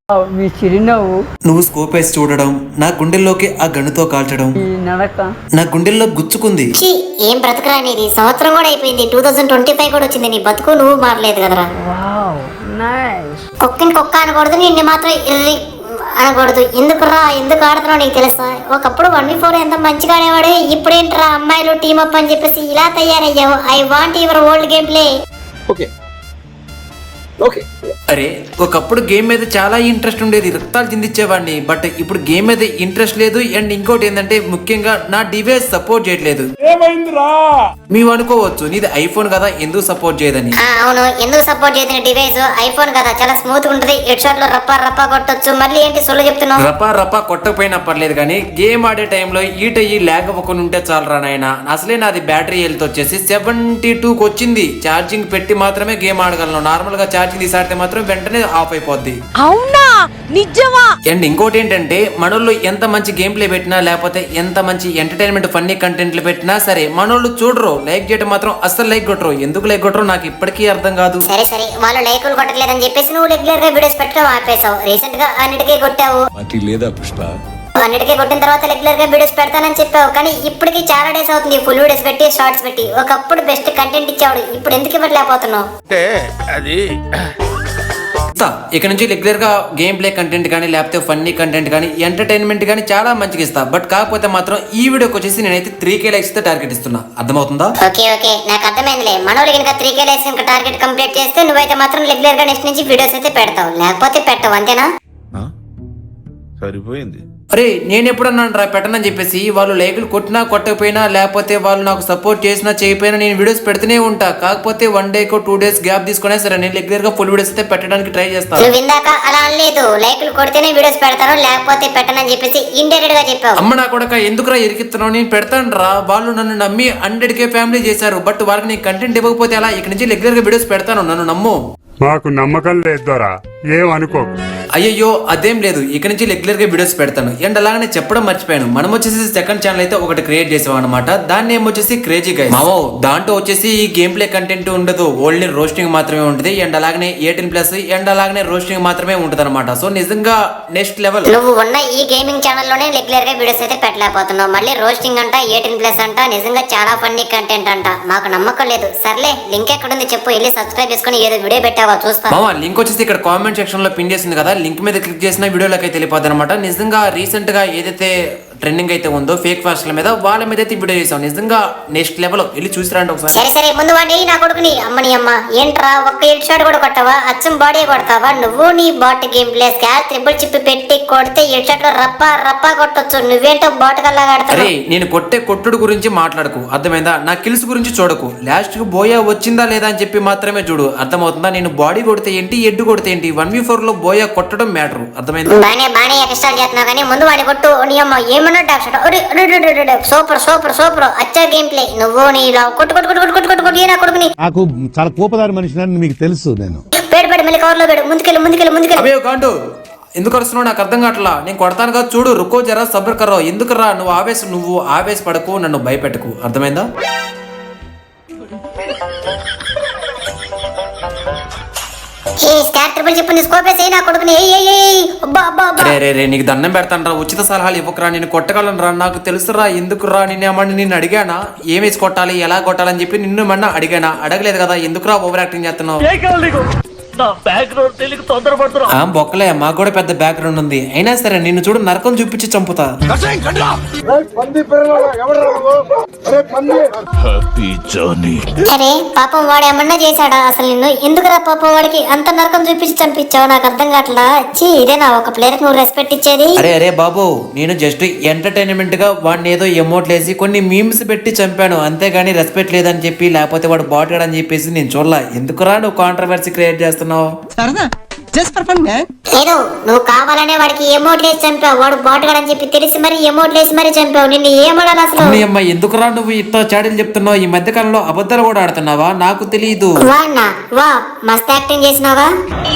మీ చిరునవ్వు, నువ్వు స్కోప్ వేసి చూడడం, నా గుండెల్లోకి ఆ గన్నుతో కాల్చడం ఈ నడక, నా గుండెల్లో గుచ్చుకుంది. ఛీ, ఏం బ్రతుకురా నీది. సంవత్సరం కూడా అయిపోయింది, 2025 కూడా వచ్చింది. నీ బతుకు నువ్వు మారలేదు కదరా. Wow nice. కుక్కని కుక్క అనకూడదు, నిన్ను మాత్రం ఇర్రి అనకూడదు. ఎందుకురా, ఎందుకు ఆడుతున్నావు నీకు తెలుసా? ఒకప్పుడు 1v4 ఎంత మంచిగా ఆడేవాడు. ఇప్పుడేంట్రా అమ్మాయిలు టీమప్ అని చెప్పేసి ఇలా తయారయ్యావు. I want your old game play. అరే ఒకప్పుడు గేమ్ మీద చాలా ఇంట్రెస్ట్ ఉండేది, రక్తాలు చిందించేవాడిని. బట్ ఇప్పుడు గేమ్ మీద ఇంట్రెస్ట్ లేదు. అండ్ ఇంకోటి ఏంటంటే ముఖ్యంగా నా డివైస్ సపోర్ట్ చేయట్లేదు. మేము అనుకోవచ్చు నీది ఐఫోన్ కదా ఎందుకు సపోర్ట్ చేయదని. అవును, ఎందుకు సపోర్ట్ చేసిన డివైస్ ఐఫోన్ కదా, చాలా స్మూత్ ఉంటుంది. హెడ్ షాట్ లో రప్పా రప్పా కొట్టొచ్చు. మళ్ళీ ఏంటి సొల్లు చెప్తున్నావు? రపా కొట్టకపోయినా పర్లేదు కానీ గేమ్ ఆడే టైంలో ఈట్ అయ్యి ల్యాగ్ అవ్వకుండా ఉంటే చాలరా నాయన. అసలే నాది బ్యాటరీ హెల్త్ వచ్చేసి 72కి వచ్చింది. ఛార్జింగ్ పెట్టి మాత్రమే గేమ్ ఆడగలను. నార్మల్ గా ఛార్జింగ్ తీసాడితే మాత్రం వెంటనే ఆఫ్ అయిపోద్ది. అవునా, నిజమా? అండ్ ఇంకోటి ఏంటంటే మనోళ్ళు ఎంత మంచి గేమ్ ప్లే పెట్టినా లేకపోతే ఎంత మంచి ఎంటర్టైన్మెంట్ ఫన్నీ కంటెంట్లు పెట్టినా సరే మనోళ్ళు చూడరు. లైక్ చేయడం మాత్రం అస్సలు లైక్ కొట్టరు. ఎందుకు లైక్ కొట్టరు నాకు ఇప్పటికీ అర్థం కాదు. సరే సరే, వాళ్ళు లైకులు కొట్టలేదని చెప్పేసి నువ్వు రెగ్యులర్ గా వీడియోస్ పెట్టడం ఆపేసావు. రీసెంట్ గా అన్నిటికీ కొట్టావు. అన్నిటికీ కొట్టిన తర్వాత రెగ్యులర్ గా వీడియోస్ పెడతానని చెప్పావు. కానీ ఇప్పటికి చాలా డేస్ అవుతుంది ఫుల్ వీడియోస్ పెట్టి, షార్ట్స్ పెట్టి. ఒకప్పుడు బెస్ట్ కంటెంట్ ఇచ్చాడు, ఇప్పుడు ఎందుకు ఇవ్వట్లేకపోతున్నావు? ఇక నుంచి రెగ్యులర్ గా గేమ్ ప్లే కంటెంట్ కానీ లేకపోతే ఫన్నీ కంటెంట్ కానీ ఎంటర్టైన్మెంట్ కానీ చాలా మంచిగా ఇస్తా. బట్ కాకపోతే మాత్రం ఈ వీడియోకి వచ్చేసి నేనైతే 3K లైక్స్ తో టార్గెట్ ఇస్తున్నా. అర్థమవుతుందా? ఓకే ఓకే, నాకు అర్థమైందిలే. మనోళ్ళు కనుక 3K లైక్స్ కనుక టార్గెట్ కంప్లీట్ చేస్తే నువ్వైతే మాత్రం రెగ్యులర్ గా నెక్స్ట్ నుంచి వీడియోస్ అయితే పెడతావు, లేకపోతే పెట్టవు. అంతేనా? సరిపోయింది. అరే నేను ఎప్పుడన్నాను రా పెట్టనని చెప్పేసి. వాళ్ళు లైకులు కొట్టినా కొట్టకపోయినా లేకపోతే వాళ్ళు నాకు సపోర్ట్ చేసినా చేయకపోయినా నేను వీడియోస్ పెడుతూనే ఉంటా. కాకపోతే 1 డేకో 2 డేస్ గ్యాప్ తీసుకునే సరే నేను రెగ్యులర్ గా ఫుల్ వీడియోస్ అయితే పెట్టడానికి ట్రై చేస్తాను. నువ్వు ఇందాక అలా అనలేదు, లైకులు కొడితేనే వీడియోస్ పెడతాను లేకపోతే పెట్టనని చెప్పేసి ఇండైరెక్ట్ గా చెప్పావు. అమ్మ నా కొడక ఎందుకురా ఇరికిస్తున్నావు? నేను పెడతాను రా. వాళ్ళు నన్ను నమ్మి 100K ఫ్యామిలీ చేశారు. బట్ వాళ్ళకి నేను కంటెంట్ ఇవ్వకపోతే అలా ఇక నుంచి రెగ్యులర్ గా వీడియోస్ పెడతాను. నన్ను నమ్ము. మాకు నమ్మకం లేదు దొరా, ఏమనుకోకు. అయ్యో అదేం లేదు, ఇక నుంచి రెగ్యులర్ గా వీడియోస్ పెడతాను. అండ్ అలాగనే చెప్పడం మర్చిపోయాను, మనం వచ్చేసి సెకండ్ ఛానల్ అయితే ఒకటి క్రియేట్ చేసాం అనమాట. దాని నేమ్ వచ్చేసి క్రేజీ గైస్. మావో దాంట్లో వచ్చేసి ఈ గేమ్ ప్లే కంటెంట్ ఉండదు, ఓన్లీ రోస్టింగ్ మాత్రమే ఉంటుంది. అండ్ అలాగనే 18+ అండ్ అలాగనే రోస్టింగ్ మాత్రమే ఉంటుంది అనమాట. సో నిజంగా నెక్స్ట్ లెవెల్. నువ్వు ఉన్న ఈ గేమింగ్ ఛానల్ లోనే రెగ్యులర్ గా వీడియోస్ అయితే పెట్టలేకపోతున్నావు. మళ్ళీ రోస్టింగ్ అంట, 18+ అంట. నిజంగా చాలా ఫన్నీ కంటెంట్ అంట. మాకు నమ్మకం లేదు. సర్లే, లింక్ ఎక్కడుంది చెప్పు, వెళ్ళి సబ్స్క్రైబ్ చేసుకుని ఏదో వీడియో పెట్టావా చూస్తా. మావా లింక్ వచ్చేసి ఇక్కడ కామెంట్ సెక్షన్ లో పిన్ చేసింది కదా, లింక్ మీద క్లిక్ చేసిన వీడియోలోకి అయితే వెళ్ళిపోద్ది అనమాట. నిజంగా రీసెంట్ గా ఏదైతే ట్రెండింగ్ అయితే ఉందో ఫేక్ ఫాస్ట్ల మీద, వాళ్ళ మీద అయితే వీడియో చేసాం. నిజంగా నెక్స్ట్ లెవెల్. వెళ్ళి చూసిరండి ఒకసారి. సరే సరే, ముందు వాడి నా కొడుకుని. అమ్మని అమ్మ, ఏంట్రా ఒక్క హెడ్ షాట్ కూడా కొట్టావా? అచ్చం బాడీ కొడతావా నువ్వు? నీ bot game play scar triple chip పెట్టి కొడితే హెడ్ షాట్ లో రప్పా రప్పా కొట్టొచ్చు. నువ్వేంటో బాట్ కల్లా ఆడతావు. అరే నేను కొట్టే కొట్టుడు గురించి మాట్లాడకు, అర్థమైందా? నా కిల్స్ గురించి చూడకు. లాస్ట్ కు బోయా వచ్చిందా లేదా అని చెప్పి మాత్రమే చూడు, అర్థమవుతుందా? నేను బాడీ కొడితే ఏంటి, ఎడ్డు కొడితే ఏంటి, 1v4 లో బోయా కొట్టడం మ్యాటర్, అర్థమైందా? బానే ఎక్స్ట్రా చేస్తున్నావు కానీ ముందు వాడి కొట్టు. నీ అమ్మ ఏమన్నా డాక్ షాట్. సూపర్ సూపర్ సూపర్, అచ్చా గేమ్ ప్లే. నువ్వు నీ కొట్టు కొట్టు కొట్టు కొట్టు కొట్టు కొట్టు నా కొడుకుని. నాకు చాలా కోపదారి మనిషిని మీకు తెలుసు. నేను పేడు పేడు మళ్ళీ కవర్ లో పేడు. ముందుకెళ్ళు ముందుకెళ్ళు ముందుకెళ్ళు. అయ్యో గాండు ఎందుకు వస్తున్నావు నాకు అర్థం కావట్లా. నేను కొడతాను కదా చూడు. రుకో జరా సబ్ర్ కర్రో. ఎందుకురా నువ్వు ఆవేశపడకు, నన్ను భయపెట్టకు, అర్థమైందా? నీకు దండం పెడతాను రా. ఉచిత సలహాలు ఇవ్వకరా, నేను కొట్టగలను రా. నాకు తెలుసురా ఎందుకురా. నిన్ను అడిగానా ఏమేసి కొట్టాలి, ఎలా కొట్టాలని చెప్పి నిన్ను ఏమన్నా అడిగానా? అడగలేదు కదా. ఎందుకురా ఓవర్ యాక్టింగ్ చేస్తున్నావు? బొక్కలే, మాకు కూడా పెద్ద బ్యాక్గ్రౌండ్ ఉంది. అయినా సరే నిన్ను చూడు నరకం చూపించి చంపుతా. అరే పాపం వాడు ఏమన్నా చేశాడా అసలు? నిన్ను ఎందుకురా పాపం వాడికి అంత నరకం చూపించి చంపించావు? నాకు అర్థం కావట్లా. ఇదేనా ఒక ప్లేయర్ నువ్వు రెస్పెక్ట్ ఇచ్చేది? అరే బాబు, నేను జస్ట్ ఎంటర్టైన్మెంట్ గా వాడిని ఏదో ఎమోట్ లేసి కొన్ని మీమ్స్ పెట్టి చంపాను, అంతేగాని రెస్పెక్ట్ లేదని చెప్పి లేకపోతే వాడు బాట్ అని చెప్పేసి నేను చూడలా. ఎందుకురా నువ్వు కాంట్రవర్సీ క్రియేట్ చేస్తున్నావు? లేదు, నువ్వు కావాలనే వాడికి ఎమోట్ లేసి చంపావు. వాడు బాట్ అని చెప్పి తెలిసి మరి ఎమోట్ లేసి మరి చంపావు. నిన్ను ఏమడాలి అసలు? అమ్మ ఎందుకురా నువ్వు ఇట్లా చాడీలు చెప్తున్నావు? ఈ మధ్య కాలంలో అబద్ధాలు కూడా ఆడుతున్నావా? నాకు తెలియదు. వా మస్త్ యాక్టింగ్ చేసినావా?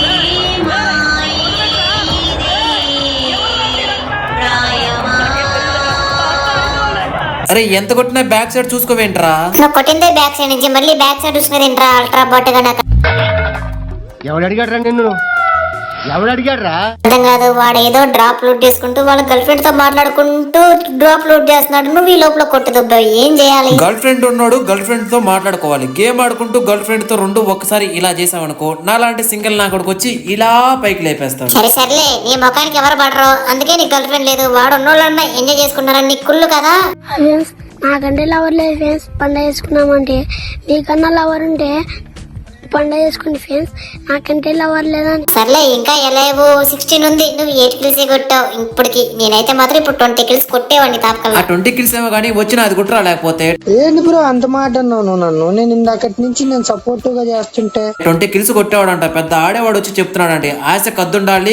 అరే ఎంత కొట్టినా బ్యాక్ సైడ్ చూసుకోవేంట్రా? నువ్వు కొట్టిందే బ్యాక్ సైడ్ నుంచి, మళ్ళీ బ్యాక్ సైడ్ చూసుకునేంట్రా అల్ట్రా బాట్ గా. ఎవడు అడిగాడు రా నిన్ను? అర్థం కాదు, వాడు ఏదో డ్రాప్ లూట్ చేసుకుంటూ వాళ్ళ గర్ల్ ఫ్రెండ్ తో మాట్లాడుకుంటూ డ్రాప్ లూట్ చేస్తున్నాడు, నువ్వు ఈ లోపల కొట్టు దుబ్బావు, ఏం చేయాలి? గర్ల్ ఫ్రెండ్ ఉన్నాడు, గర్ల్ ఫ్రెండ్ తో మాట్లాడుకోవాలి. గేమ్ ఆడుకుంటూ గర్ల్ ఫ్రెండ్ తో రెండు ఒక్కసారి ఇలా చేసావనుకో, నాలాంటి సింగిల్ నా కొడుకు వచ్చి ఇలా పైకి లేపేస్తాడు. సరే సర్లే, నీ ముఖానికి ఎవరు పడరు, అందుకే నీ గర్ల్ ఫ్రెండ్ లేదు. వాడు ఉన్నోళ్ళన్నా ఎంజాయ్ చేసుకుంటారని నీ కుళ్ళు కదా. ఫ్రెండ్స్ నాకంటే లవర్ లేదు ఫ్రెండ్స్, పండగ చేసుకున్నామంటే మీకన్నా లవర్ ఉంటే పండగ చేసుకుంది ఫ్రెండ్స్, నాకంటే లవర్ లేదని. సర్లే, ఇంకా ఎలాగో 16 ఉంది, నువ్వు 8 కిల్స్ కొట్టావు ఇప్పటికి. నేనైతే మాత్రం ఇప్పుడు 20 కిల్స్ కొట్టేవాడిని ఆ తాపకల్లా. 20 కిల్స్ ఏమో కానీ వచ్చిన అది కుట్రా, లేకపోతే ఏంది బ్రో అంత మాట అన్నావు నువ్వు నన్ను? నేను ఇందాకటి నుంచి నేను సపోర్టివ్ గా చేస్తుంటే 20 కిల్స్ కొట్టేవాడంట. పెద్ద ఆడేవాడు వచ్చి చెప్తున్నాడంటే ఆశ కద్దుండాలి,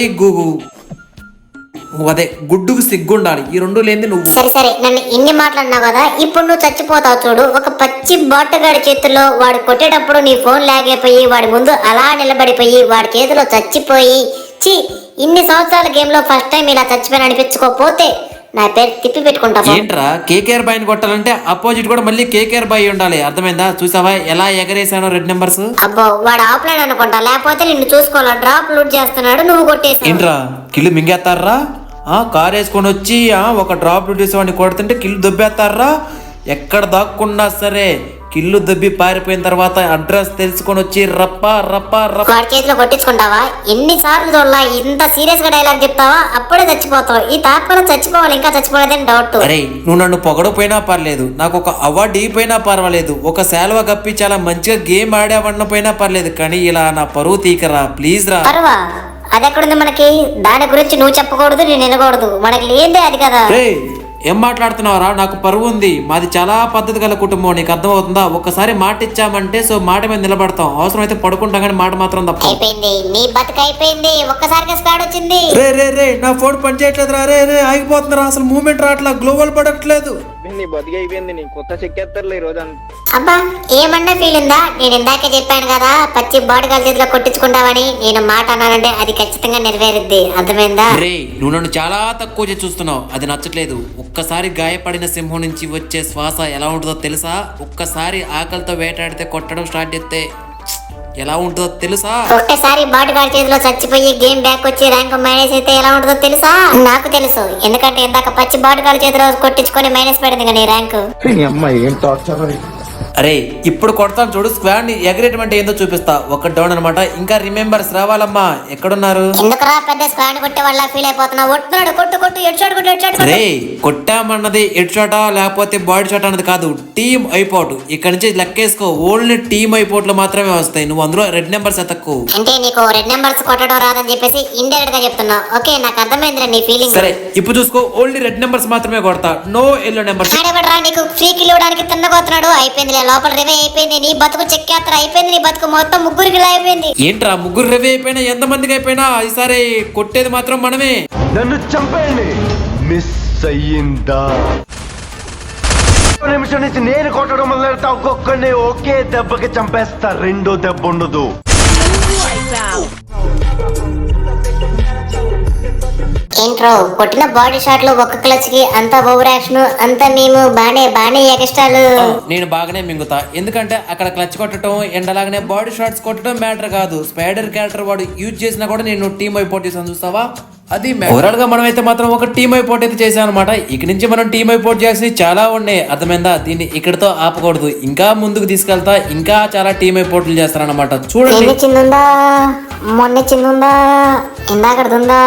అదే గుడ్డుకు సిగ్గుండాలి, ఈ రెండు లేని నువ్వు. సరే సరే, నన్ను ఇన్ని మాట్లాడినావు కదా, ఇప్పుడు నువ్వు చచ్చిపోతావు చూడు. ఒక పచ్చి బాటగాడి చేతుల్లో వాడు కొట్టేటప్పుడు నీ ఫోన్ లాగైపోయి వాడి ముందు అలా నిలబడిపోయి వాడి చేతిలో చచ్చిపోయి, చి ఇన్ని సంవత్సరాల గేమ్ లో ఫస్ట్ టైం ఇలా చచ్చిపోయిన అనిపించుకోపోతే నా పేరు తిప్పి పెట్టుకుంటావు. ఏంట్రా కేకేఆర్ బాయ్ కొట్టాలంటే అపోజిట్ కూడా మళ్ళీ కేకేఆర్ బాయ్ ఉండాలి, అర్థమైందా? చూసావా ఎలా ఎగరేసానో రెడ్ నెంబర్స్. అబ్బో, వాడు ఆఫ్లైన్ అనుకుంటా, లేకపోతే నిన్ను చూసుకోవాలా. డ్రాప్ లూట్ చేస్తున్నాడు, నువ్వు కొట్టేసావు. ఏంట్రా కిల్లు మింగేస్తారా? కార్ వేసుకొని వచ్చి ఒక డ్రాప్ వాడిని కొడుతుంటే కిల్లు దొబ్బేస్తారా? ఎక్కడ దాక్కున్నా సరే కిల్లు దొబ్బి పారిపోయిన తర్వాత అడ్రస్ తెలుసుకొని వచ్చి రప్ప రప్ప రప్ప వాడి చేతిలో కొట్టించుకుంటావా? ఎన్నిసార్లు చూడాలా? ఇంత సీరియస్ గా డైలాగ్ చెప్తావా? అప్పుడే చచ్చిపోతావు. ఈ తాపకలో చచ్చిపోవాలి, ఇంకా చచ్చిపోలేదని డౌట్. అరే నువ్వు నన్ను పొగడపోయినా పర్లేదు, నాకు ఒక అవార్డు ఇపోయినా పర్వాలేదు, ఒక శాలువా కప్పి చాలా మంచిగా గేమ్ ఆడావన్న పోయినా పర్లేదు, కానీ ఇలా నా పరువు తీకరా ప్లీజ్ రా. పర్వా అదెక్కడుంది మనకి? దాని గురించి నువ్వు చెప్పకూడదు, నేను వినకూడదు, మనకి లేదే అది కదా. ఏం మాట్లాడుతున్నావురా? నాకు పరువు ఉంది, మాది చాలా పద్ధతి గల కుటుంబం, నీకు అర్థమవుతుందా? ఒక్కసారి మాట ఇచ్చామంటే సో మాట మీద నిలబడతాం, అవసరం అయితే పడుకుంటాం కానీ మాట మాత్రం తప్ప. అయిపోయింది నీ బతుకు, అయిపోయింది. ఒక్కసారిగా స్క్వాడ్ వచ్చింది. రే నా ఫోన్ పని చేయట్లేదు రా, రే ఆగిపోతుందిరా, అసలు మూమెంట్ రావట్లా, గ్లోబల్ పడట్లేదు. నీ బతికి అయిపోయింది, నీ కొత్త చెక్కేస్తారులే ఈ రోజు. అబ్బా, ఏమన్నా ఫీల్ ఉందా? నేను ఇందాకే చెప్పాను కదా, పచ్చి బాడీ గాలి చేతిలో కొట్టించుకుంటావని. నేను మాట అన్నానంటే అది ఖచ్చితంగా నెరవేరుద్ది, అర్థమైందా? రే నువ్వు నన్ను చాలా తక్కువ చేసి చూస్తున్నావు, అది నచ్చట్లేదు. ఒక్కసారి గాయపడిన సింహం నుంచి వచ్చే శ్వాస ఎలా ఉంటుందో తెలుసా? ఒక్కసారి ఆకలితో వేటాడితే కొట్టడం స్టార్ట్ చేస్తే ఎలా ఉంటుందో తెలుసా? ఒక్కసారి బాడీ గార్డ్ చేతిలో చచ్చిపోయి గేమ్ బ్యాక్ వచ్చి ర్యాంక్ మైనస్ అయితే ఎలా ఉంటుందో తెలుసా? నాకు తెలుసు, ఎందుకంటే ఇందాక పచ్చి బాడీ గార్డ్ చేతిలో కొట్టించుకొని మైనస్ పడింది కానీ ర్యాంక్. అరే ఇప్పుడు కొడతాను చూడు, స్క్వాడ్ ని ఎగరేటమంటే ఏందో చూపిస్తా. ఒక డౌన్ అనమాట, ఇంకా రిమెంబర్స్ రావాలమ్మా. ఎక్కడున్నారు? ఎందుకురా పెద్ద స్క్వాడ్ కొట్టే వాళ్ళ ఫీల్ అయిపోతున్నావు? కొట్టున్నాడు, కొట్టు హెడ్ షాట్ కొట్టు, హెడ్ షాట్ కొట్టు. రే కొట్టామన్నది హెడ్ షాటా లేకపోతే బాడీ షాట్ అన్నది కాదు, టీమ్ అయిపోట్. ఇక్కడ నుంచి లెక్కేసుకో, ఓన్లీ టీమ్ అయిపోట్లు మాత్రమే వస్తాయి, నువ్వు అందులో రెడ్ నెంబర్స్ ఎత్తకు. అంటే నీకు రెడ్ నెంబర్స్ కొట్టడం రాదని చెప్పేసి ఇండైరెక్ట్ గా చెప్తున్నావు. ఓకే, నాకు అర్థమైందిరా నీ ఫీలింగ్. సరే ఇప్పుడు చూసుకో, ఓన్లీ రెడ్ నెంబర్స్ మాత్రమే కొడతా, నో ఎల్లో నెంబర్స్. ఆడబడరా, నీకు ఫ్రీ కిల్ ఇవ్వడానికి తిన్నగోతున్నాడు. అయిపోయింది, లోపల రివే అయిపోయింది, నీ బతుకు చెక్కేత్ర అయిపోయింది, నీ బతుకు మొత్తం ముగ్గురికి అయిపోయింది. ఏంట్రా ముగ్గురు రివే అయిపోయినా ఎంత మందికి అయిపోయినా ఈసారి కొట్టేది మాత్రం మనమే. నన్ను చంపేయండి, మిస్ అయ్యిందా? నిమిషం నుంచి నేను కొట్టడం మొదలెడతా, ఒక్కొక్కడిని ఒకే దెబ్బకి చంపేస్తా, రెండో దెబ్బ ఉండదు. ఏంట్రో కొట్టిన బాడీ షాట్లు ఒక్క క్లచ్ కి అంత ఓవర్ యాక్షన్, అంత మేము బానే ఎక్స్ట్రాలు. నేను బాగానే మింగుతా, ఎందుకంటే అక్కడ క్లచ్ కొట్టడం ఎండలాగానే బాడీ షాట్స్ కొట్టడం మ్యాటర్ కాదు. స్పైడర్ క్యారెక్టర్ వాడు యూజ్ చేసినా కూడా నేను టీమ్ అయిపోట్ చేసాను, చూస్తావా? అది ఓవరాల్ గా మనం అయితే మాత్రం ఒక టీమ్ అయిపోట్ అయితే చేసాం అనమాట. ఇక నుంచి మనం టీమ్ అయిపోట్ చేసి చాలా ఉన్నాయి, అర్థమైందా? దీన్ని ఇక్కడతో ఆపకూడదు, ఇంకా ముందుకు తీసుకెళ్తా, ఇంకా చాలా టీమ్ అయిపోట్లు చేస్తారనమాట. చూడండి, చిన్నుందా, మొన్న చిన్నుందా, ఇందాకడుందా.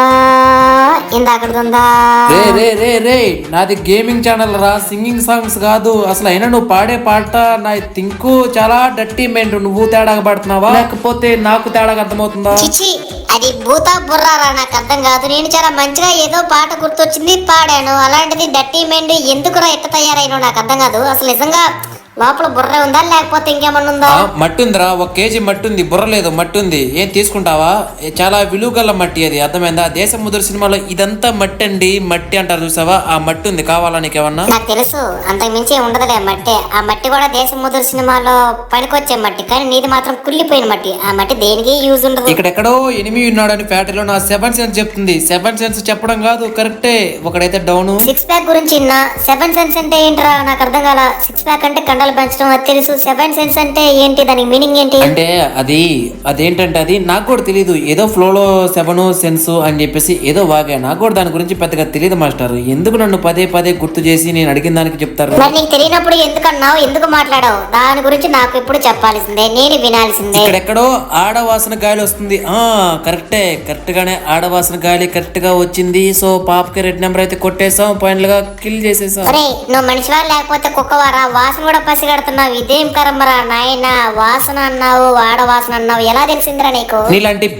రే నాది గేమింగ్ ఛానల్ రా, సింగింగ్ సాంగ్స్ కాదు. అసలు అయినా నువ్వు పాడే పాట నా థింక్ చాలా డర్టీ మెంట్. నువ్వు తేడాగా పాడుతున్నావా లేకపోతే నాకు తేడాగా అర్థమవుతుందా? చిచి, అది భూతా బుర్రారా, నాకు అర్థం కాదు. నేను చాలా మంచిగా ఏదో పాట గుర్తొచ్చింది పాడాను, అలాంటిది డర్టీ మెంట్ ఎందుకురా ఎట్ట తయారైనా నాకు అర్థం కాదు. అసలు నిజంగా లోపల బుర్ర ఉందా లేకపోతే ఇంకేమన్నా ఉందా? మట్టి ఉందిరా, 1 కేజీ మట్టి ఉంది, బుర్ర లేదు, మట్టి ఉంది. ఏం తీసుకుంటావా? చాలా విలువ గల మట్టి అది, అర్థమైందా? దేశముద్ర సినిమాలో ఇదంతా మట్టి అండి, మట్టి అంటారు చూసావా? ఆ మట్టి ఉంది, కావాలా నీకేమన్నా? నాకు తెలుసు, అంతకు మించి ఉండదులే మట్టి. ఆ మట్టి కూడా దేశముద్ర సినిమాలో పనికొచ్చే మట్టి, కానీ నీది మాత్రం కుళ్ళిపోయిన మట్టి. ఆ మట్టి దేనికి యూజ్ ఉండదు. ఇక్కడెక్కడో ఎనిమి ఉన్నాడని ఫ్యాక్టరీలో నా 7 సెన్స్ చెప్తుంది. 7 సెన్స్ చెప్పడం కాదు, కరెక్టే. ఒకడైతే డౌన్. 6 ప్యాక్ గురించి 7 సెన్స్ అంటే ఏంట్రా? నాకు అర్థం కాల. 6 ప్యాక్ అంటే కండలు వెంట్రుకలు పెంచడం అది తెలుసు. 7 సెన్స్ అంటే ఏంటి, దానికి మీనింగ్ ఏంటి? అంటే అదేంటంటే అది నాకు కూడా తెలియదు. ఏదో ఫ్లోలో 7 సెన్స్ అని చెప్పేసి ఏదో వాగా. నాకు కూడా దాని గురించి పెద్దగా తెలియదు మాస్టర్. ఎందుకు నన్ను పదే పదే గుర్తు చేసి నేను అడిగిన దానికి చెప్తారు? మరి నీకు తెలియనప్పుడు ఎందుకన్నావు, ఎందుకు మాట్లాడావు? దాని గురించి నాకు ఇప్పుడు చెప్పాల్సిందే, నేను వినాల్సిందే. ఇక్కడెక్కడో ఆడవాసన గాలి వస్తుంది. కరెక్ట్ గానే ఆడవాసన గాలి కరెక్ట్ గా వచ్చింది. సో పాపకి రెడ్ నెంబర్ అయితే కొట్టేసాం, పాయింట్లుగా కిల్ చేసేసాం. అరే నువ్వు మనిషివా లేకపోతే కుక్కవారా? వాసన కూడా పసిగడుతున్నావు, ఇదేం కరమ్మరా నాయన. వాసన అన్నావు, ఆడవాసన అన్నావు, ఎలా తెలిసిందిరా నీకు? నీలాంటి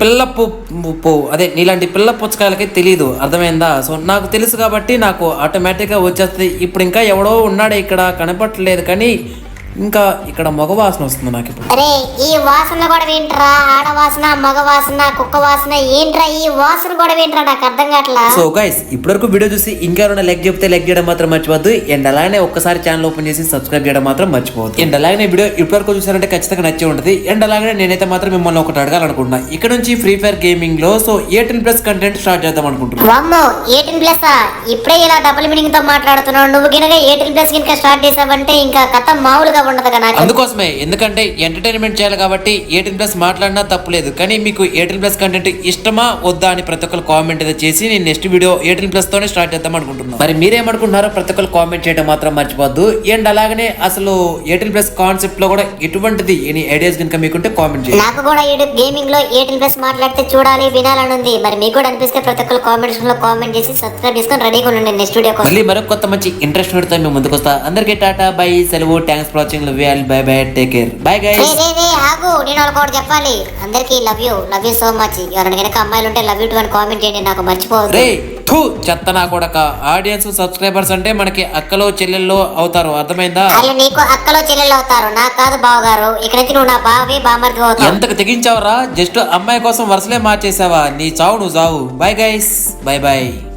నీలాంటి పిల్ల పుచ్చకాయలకి తెలియదు, అర్థమైందా? సో నాకు తెలుసు కాబట్టి నాకు ఆటోమేటిక్ గా వచ్చేస్తుంది. ఇప్పుడు ఇంకా ఎవడో ఉన్నాడే ఇక్కడ, కనపడలేదు కానీ ఇంకా ఇక్కడ మగ వాసన వస్తుంది నాకు ఇప్పుడు. అరే ఈ వాసన కూడా ఏంట్రా? ఆడవాసన, మగ వాసన, కుక్క వాసన ఏంట్రా? ఈ వాసన కూడా ఏంట్రా? నాకు అర్థం కావట్లా. సో గైస్ ఇప్పటివరకు వీడియో చూసి ఇంకెవరైనా లైక్ చెప్తే లైక్ చేయడం మాత్రం మర్చిపోద్దు. అండ్ అలాగే ఒక్కసారి ఛానల్ ఓపెన్ చేసి సబ్స్క్రైబ్ చేయడం మాత్రం మర్చిపోవద్దు. అండ్ అలాగే వీడియో ఇప్పటివరకు చూసారంటే ఖచ్చితంగా నచ్చే ఉంటుంది. అండ్ అలాగే నేనైతే మాత్రం మిమ్మల్ని ఒకటి అడగాలనుకుంటున్నా. ఇక్కడ నుంచి ఫ్రీ ఫైర్ గేమింగ్ లో సో 18+ కంటెంట్ స్టార్ట్ చేద్దాం అనుకుంటున్నాను. వామ్మో 18+? ఇప్పుడే ఇలా డబుల్ మీనింగ్ తో మాట్లాడుతున్నావు. నువ్వు గినక 18+ గినక స్టార్ట్ చేసావంటే ఇంకా కథ మామూలుగా ఉండదు కదా. అందుకోసమే, ఎందుకంటే ఎంటర్టైన్మెంట్ చేయాలి కాబట్టి 18+ మాట్లాడినా తప్పులేదు. కానీ మీకు 18+ కంటెంట్ ఇష్టమా వద్దా అని ప్రతి ఒక్కరు కామెంట్ అయితే చేసి నేను నెక్స్ట్ వీడియో 18+ తోనే స్టార్ట్ చేద్దాం అనుకుంటున్నాను. మరి మీరేమనుకుంటున్నారో ప్రతి ఒక్కరు కామెంట్ చేయడం మాత్రం మర్చిపోద్దు. అండ్ అలాగనే అసలు 18+ కాన్సెప్ట్ లో కూడా ఎటువంటిది ఎనీ ఐడియాస్ కనుక మీకుంటే కామెంట్ చేయండి. నాకు కూడా గేమింగ్ లో 18+ మాట్లాడితే చూడాలి, వినాలని ఉంది. మరి మీకు కూడా అనిపిస్తే ప్రతి ఒక్కరు కామెంట్స్ లో కామెంట్ చేసి సబ్స్క్రైబ్ చేసుకొని రెడీగా ఉండండి నెక్స్ట్ వీడియో కోసం. మళ్ళీ మరొక కొత్త మంచి ఇంట్రెస్ట్ పెడతా మేము ముందుకు వస్తా. అందరికీ టాటా బై, సెలవు, thanks for watching, love you all, bye bye, take care, bye guys. ఆగు, నేను ఒకటి చెప్పాలి అందరికి. Love you so much. ఎవరైనా కనుక అమ్మాయిలు ఉంటే లవ్ యూ టు అని కామెంట్ చేయండి, నాకు మర్చిపోవద్దు. రే థూ చెత్త నా కొడక. ఆడియన్స్ సబ్స్క్రైబర్స్ అంటే మనకి అక్కలో చెల్లెల్లో అవుతారు, అర్థమైందా? వాళ్ళు నీకు అక్కలో చెల్లెళ్ళు అవుతారు, నాకు కాదు బావగారు. ఇక్కడ నుంచి నువ్వు నా బావి బామర్ది అవుతావు. ఎంతకు తెగించావరా? జస్ట్ అమ్మాయి కోసం వరుసలే మార్చేసావా? నీ చావు నువ్వు చావు. Bye guys, bye by.